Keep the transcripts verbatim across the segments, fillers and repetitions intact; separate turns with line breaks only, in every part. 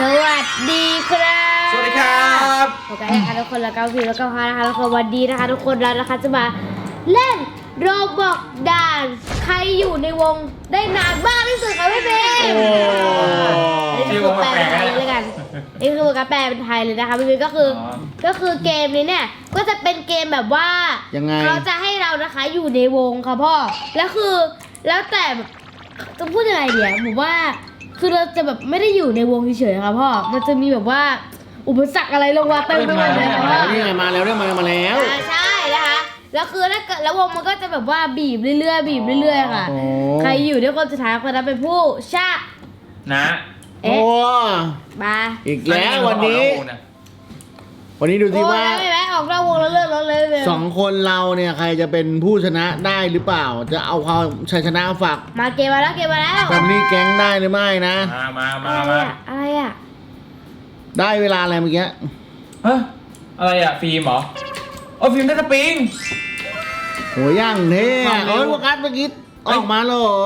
สวัสดีครับ
สวัสดีครับ
โอเคนะคะทุกคนแล้วก็พี่แล้วก็พานะคะทุกคนวันดีนะคะทุกคนแล้วนะคะจะมาเล่นโรบอกด่านใครอยู่ในวงได้นานมากที่สุดคะพี่เบนนี่คือแปลเป็นไทยเลยกันนี่คือการแปลเป็นไทยเลยนะคะพี่เบนก็คือก็คือเกมนี้เนี่ยก็จะเป็นเกมแบบว่ายังไงเขาจะให้เรานะคะอยู่ในวงค่ะพ่อแล้วคือแล้วแต่จะพูดยังไงเดี๋ยวผมว่าคือเราจะแบบไม่ได้อยู่ในวงเฉยๆค่ะพ่อมันจะมีแบบว่าอุปสรรคอะไรลงมาเต็มไปหมดเลยค่ะพ่อ
นี่ไงมาแล้วเนี่ยมามาแล้ว
ใช่นะคะแล้วคือถ้าเกิดแล้ววงมันก็จะแบบว่าบีบเรื่อยๆบีบเรื่อยๆค่ะใครอยู่ด้วยคนสุดท้ายคนนั้นเป็นผู้ชนะ
นะ
เอ๊ะมา
อีกแล้ววันนี้วันนี้ดูสิว่า
ไม่ไหมออกนอกวงแล้วเลิกแล้วเลย
สองคนเราเนี่ยใครจะเป็นผู้ชนะได้หรือเปล่าจะเอาความชัยชนะฝาก
มาเกมมาแล้วเกมมาแล้ว
แฟมิลี่แก๊งได้หรือไม่นะ
มามามามา
อะไรอ่ะ
ได้เวลาอะไรเมื่อกี้
เฮ้ยอะไรอ่ะฟิล์มเหรอโอ้ฟิล์มได้สปริง
โหย่างเท่โอ้ยพวกกัสเมื่อกี้ออกมาแล้วเหรอ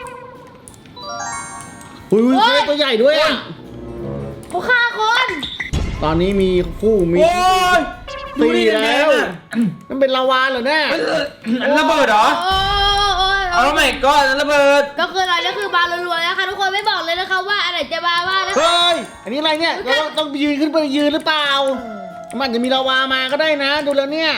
อุ้ยอุ้ยตัวใหญ่ด้วยอ่ะ
เขาฆ่าคน
ตอนนี้มีคู่มีตีแล้วมันเป็นลาวาเหรอเนี่ย
ระเบิดเหรอเอาแล้วไม่ก็ระเบิด
ก็คืออะไรก็คือบารัวๆนะคะทุกคนไม่บอกเลยนะคะว่าอะไรจะบาว่านะคะ
เฮ้ยอันนี้อะไรเนี่ยเราต้องยืนขึ้นไปยืนหรือเปล่ามันจะมีลาวามาก็ได้นะดูแล้วเนี่ย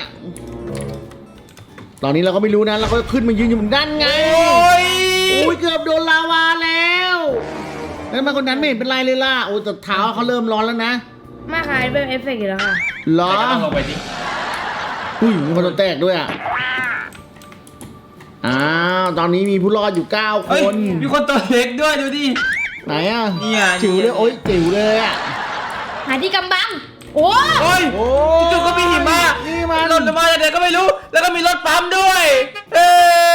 ตอนนี้เราก็ไม่รู้นะเราก็ขึ้นมายืนอยู่บนด้านไงโอ้ยโอ้ยเกือบโดนลาวาแล้วแล้วมาคนนั้นไม่เห็นเป็นไรเลยล่ะโอ้แต่เท้าเขาเริ่มร้อนแล้วนะ
มาขายเป็นเอฟเฟกต์อยู่แล้วค่ะ
หรอ
ลงไปดิ
อุ้ยมีคนแตกด้วยอ่ะอ้าวตอนนี้มีผู้รอดอยู่เก้าคน
มีคนตัวเล็กด้วยดูดิ
ไหนอ่ะ
เนี่ย
จิ๋วเลยโอ้ยจิ๋วเลยอ่ะ
หาที่กำบังโอ้
ยจู่ก็มีหิมะ
นี่มัน
รถมาเดี๋ยวก็ไม่รู้แล้วก็มีรถปั๊มด้วยเออ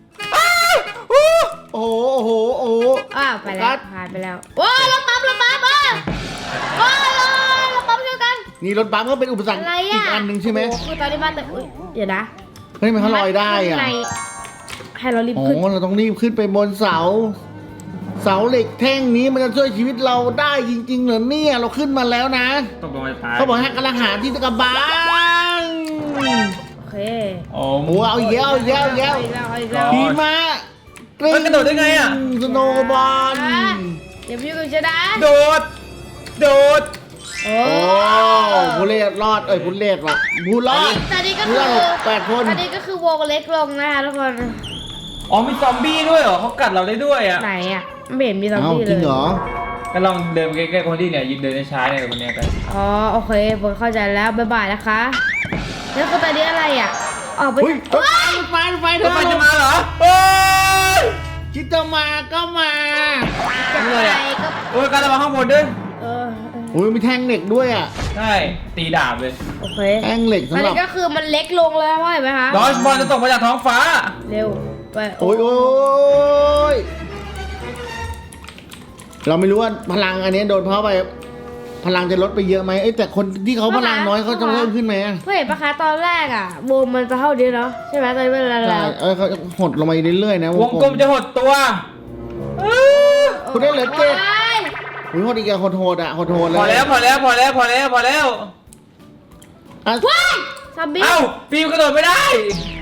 โอ้โหโอ้โหโอ้โห
อ้าวไปแล้วผ่านไปแล้วโอ้ยรถปั๊มรถปั๊มอ่ะโอ้ยรถปั๊มเดียวกัน
นี่รถปั๊มก็เป็นอุปสรรคอีกอันหนึ่งใช่ไหม
คือตอนนี้บ้านแต่เดี๋ยวนะ
เฮ้ยมันเขาลอยได้อ่ะ
ให้เรารีบขึ้น
โอ้เราต้องรีบขึ้นไปบนเสาเสาเหล็กแท่งนี้มันจะช่วยชีวิตเราได้จริงๆเหรอเนี่ยเราขึ้นมาแล้วนะ
ต้องลงไปตาย
เขาบอกให้กำลังหาที่ตะกบัง
โอเค
โอ้โหเอาอีกแล้วเอาอีกแล้วเอาอีกแล้วดีมาก
มันกระโดดได้ไงอ่ะ
สโนว์บอล
เดี๋ยวพี่กูจะได้
โดดโดด
โอ้
ผู้เล่รอดเอ้ยผู้เล่ว่ะผู้รอด
ตอนนี้ก็คือ
แปดคน
ตอนนี้ก็คือวงเล็กลงนะคะทุกคน
อ๋อมีซอมบี้ด้วยเหรอเขากัดเราได้ด้วยอ่ะ
ไหนอ่ะไม่เห็นมีซอมบี้เลย
จริงเหรอ
ก็ลองเดินใกล้ๆคนที่เนี่ยยืนเดินช้าเนี่ยคนนี้กัน
อ๋อโอเคผมเข้าใจแล้วบ๊ายบายนะคะแล้วก็ตอนนี้อะไรอ่ะออกไป
ไฟไฟไฟ
รถไฟจะมาเหรอโอ้ย
คิดจะมาก็มา
อะไรก็โอ้ยการระวังข้างบนด้วย
เออ
โอ้ยมีแท่งเหล็กด้วยอ่ะ
ใช่ตีดาบเลย
โอเค
แท่งเหล็กสำหรับ
ก็คือมันเล็กลงแล้วเห็นไหมคะ
ลอสบอลจะตกมาจากท้องฟ้า
เร็วไป
โอ้ยโอ้ยเราไม่รู้ว่าพลังอันนี้โดนเพราะไปพลังจะลดไปเยอะไหมเอ้แต่คนที่เขาพลังน้อยเขาจะเพิ่มขึ้นไหม
เพื่อนปะคะตอนแรกอ่ะวงมันจะเท่านี้เนาะใช่ไหมตอนนี้เป็นอะไร
เออเขาหดลงมาเรื่อยๆนะ
วงกลมจะหดตัว
คุณได้เหลือเจ็ดอุ้ยหดอีกอะหดโหดอะหดโหดเลย
พอแล้วพอแล้วพอแล้วพอแล้วพอแล้ว
ว้ายซอมบี้
เอ้าฟิวกระโดดไม่ได้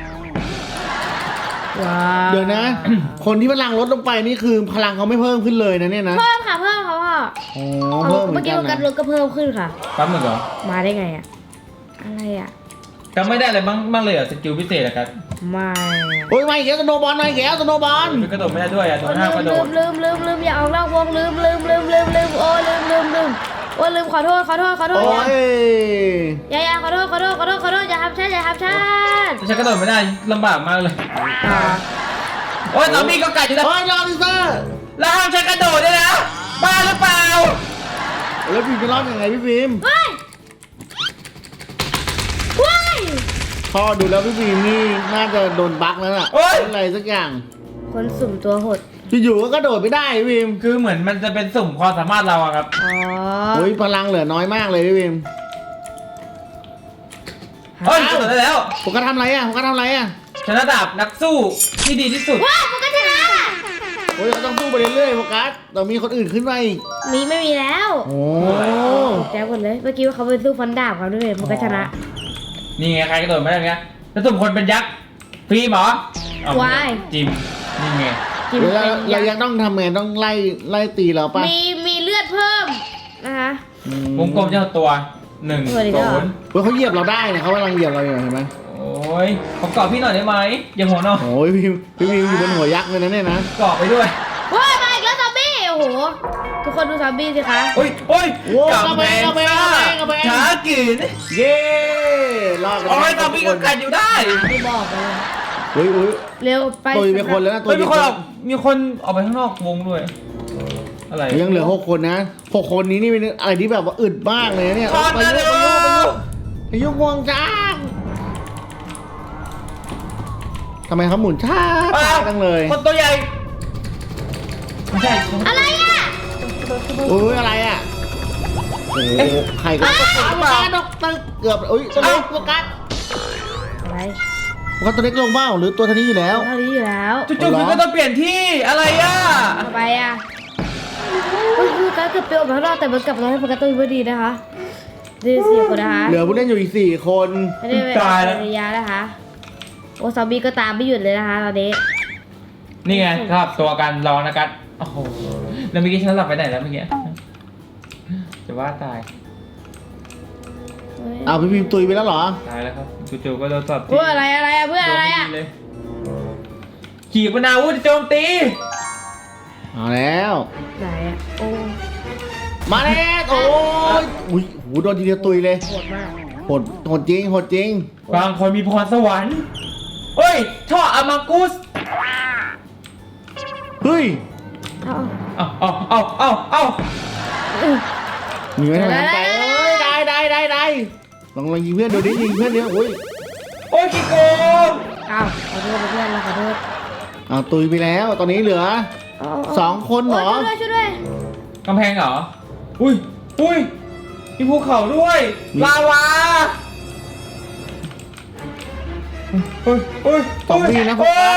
เดี๋ยวนะ คนที่พลังลดลงไปนี่คือพลังเขาไม่เพิ่มขึ้นเลยนะเนี่ยนะ
เพิ่มค่ะเพิ่มเขาค่ะ
อ๋อเพิ่ม
เมื่อกี้การลดก็เพิ่มขึ้นค่ะ
ปั๊มเหมือนเหรอ
มาได้ไงอะอะไรอะ
จำไม่ได้เลยบ้างบ้างเลยอ่ะสกิลพิเศษอะครับ
ไม่
โอ้ยไม่แก้วสโนบอลไม่แก้วสโนบอล
กระโดดไม่ได้ด้วยอ่ะโดนห้ามกระโดด
ลืมลืมลืมอย่าออกนอกวงลืมลืมลืมลืมลืมโอ้ลืมลืมลืมโอ้ลืมขอโทษขอโทษขอโทษ
โอ้ย
อย่าอย่าขอโทษขอโทษขอโทษขอโทษอย่าทำฉันอย่าทำฉัน
ฉันกระโดดไม่ได้ลำบากมากเลยโอ้ยตอนนี้ก็กัดอยู่แล้ว
โอ้ยลอริเซอร์
แล้วห้ามฉันกระโดดด้วยนะบ้าหรือเปล่า
แล้วพี่จะรอดยังไงพี่ฟิล์ม
ว้ายว้าย
พอดูแล้วพี่ฟิล์มนี่น่าจะโดนบั๊กแล้วน่ะอะไรสักอย่าง
คนสุ่มตัวหด
อยู่ๆก็กระโดดไม่ได้พี่ฟิล์ม
คือเหมือนมันจะเป็นสุ่มความสามารถเราอะครับ
อ๋อ
โอ้ยพลังเหลือน้อยมากเลยพี่ฟิล์ม
เฮ้ยกระโดดได้แล้ว
ผมก็ทำอะไรอ่ะผมก็ทำอะไรอ่ะ
ชนะดาบนักสู้ที่ดีที่สุด
ว้าวผมก็ชนะ
โอ้ยเราต้องสู้ไปเรื่อยๆโฟกัสเรามีคนอื่นขึ้นมาอีก
มีไม่มีแล้ว
โอ้
แจ้งหมดเลยเมื่อกี้ว่าเขาไปสู้ฟันดาบเขาด้วยมันก็ชนะ
นี่ไงใครกระโดดไม่ได้ไงแล้วสุ่มคนเป็นยักษ์ฟรีเหรอเอา
วาย
จิมนี่ไง
กิน
เดี๋ยว
เป็
เรา
น
เรา
ยั
ยัง
กษ์
ต้องทำไงต้องไล่ไล่ตีเราป่ะ
มีมีเลือดเพิ่มนะคะ
อื
วงกลมเจ้าตัวหนึ่ง
สวัสดีครั
ศู
บ
นย์
เฮ้ยเขาเหยียบเราได้เนี่ยเขากำลังเหยียบเราอยู่เห็นไหม
โอ้ยผมกรอบพี่หน่อยได้ไหมอย่าหัวเนาะ
โอ้ยพี่พี่พิมอยู่บนหัวยักษ์เลยนะเนี่ยนะ
กรอบไปด้วย
ว้ายมาอีกแล้วซอมบี้โอ้โหทุกคนดูซอมบี้สิคะ
โอ้ยโอ้ย
โอ้กระเบงกระเบงกระเบงกระเบง
ช้ากิน
เย้รอด
โอ้ยตอนพี่ก็กัดอยู่ได้
ไม่บอกเลย
เฮ้ยอุ้ย
เร็วไป
ตัวมีคนแล้วนะตัว
เฮ้ยมี
มี
ค
คน น
ออกมีคนออกไปข้างนอกวงด้วย อะไร
ยังเหลือหกคนนะหกคนนี้นี่เป็นอะไรที่แบบว่าอึดมากเลยนะเนี่ย
คอน
ไป
มา
ยุ
เร็
ก
ว
ไปยุกไปยุกไปยุกงวงจ้างทำไมเขาหมุนช้าช้าจังเลย
คนตัวใหญ่ไม่ใช่
อะไรอ่ะ
โอ้ยอะไรอ่ะโอ้โหใครก็โฟกัสดอกตึกเกือบอุ้ยตัวเล็กโฟกัส
อะไร
โฟกัสตัวเล็กลงเบ้าหรือตัวเท่านี้อยู่แล้ว
เท่านี้อยู่แล้ว
จู่ๆพี่ก็ต้องเปลี่ยนที่อะไรอ่ะ
ต่อไปอ่ะเฮ้ยคือการเกือบเปรี้ยวมาข้างนอกแต่มันกลับมาให้โฟกัสตัวพอดีนะคะดูสิคนนะคะ
เหลือผู้เล่นอยู่อีกสี่คน
ไม่ได้เป็นระยะนะคะโอ้ซอมบี้ก็ตามไม่หยุดเลยนะคะตอนนี้
นี่ไงครับตัวกันรองนะกันโอ้โหแล้วเมื่อกี้ฉันหลับไปไหนแล้วเมื่อกี้จะว่าตาย
เฮ้ย
เอาพี่พิมพ์ตุยไปแล้วเหรอ
ตายแล้วครับจู่ๆก็โดนสอบ
เพื่ออะไรอะไรอะเพื่ออะไรอะ
เลยขี่ปนาวุธโจมตี
เอาแล้ว
ไหนอะโอ้
มาแล้วโอ้ยอุ้ยหูโดนทีเดียวตุยเลย
โหดมาก
โหดโหดจริงโหดจริง
บางคนมีพรสวรรค์เฮ้ยท่ออามากุส
เฮ้ย
เอา
เอาเอาเอาเอาเอา
เอา
มีไหมทำไมไปเอ้ยได้ได้ได้ได้ลองลองยิงเพื่อนดูดิยิงเพื่อนเนี้ยโอ้ย
โอ้ยขี้โกง
เอาขอโทษเพื่อนเราขอโทษ
เอาตุยไปแล้ว ตอนนี้เหลือ
เาเา
สองคนเหรอ
โช่วยด้วยช่วยด้วย
กำแพงเหรออุ้ยอุ้ยมีภูเขาด้วย
มี
ลาวาเฮ้ยเฮ้ย
ซอมบี้นะโฟ
โอ้
กั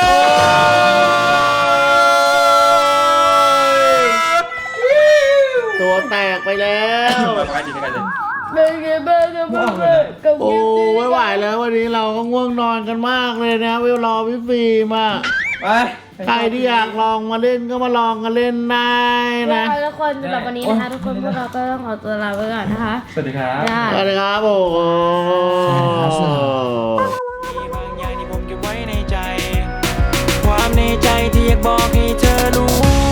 สตัวแตกไปแล้ว
ไปไปดีไปเลย
เป็นไงบ้างครับเพื่อนๆกับ
โอ้
เกมนี้
ไม่ไหวแล้ววันนี้เราก็ง่วงนอนกันมากเลยนะเวลรอพี่ฟิล์มอ่ะ
ไป
ใครที่อยากลองมาเล่นก็มาลองกันเล่นได้นะ
ทุกคนสำหรับวันนี้นะคะทุกคนพวกเราก็ต้องขอตัวลาไปก่อนนะคะ
สวัสดีครับ
ได้
สวัสดีครับโอ้โห
มีบางอย่างที่ผมเก็บไว้ในใจ ความในใจที่อยากบอกให้เธอรู้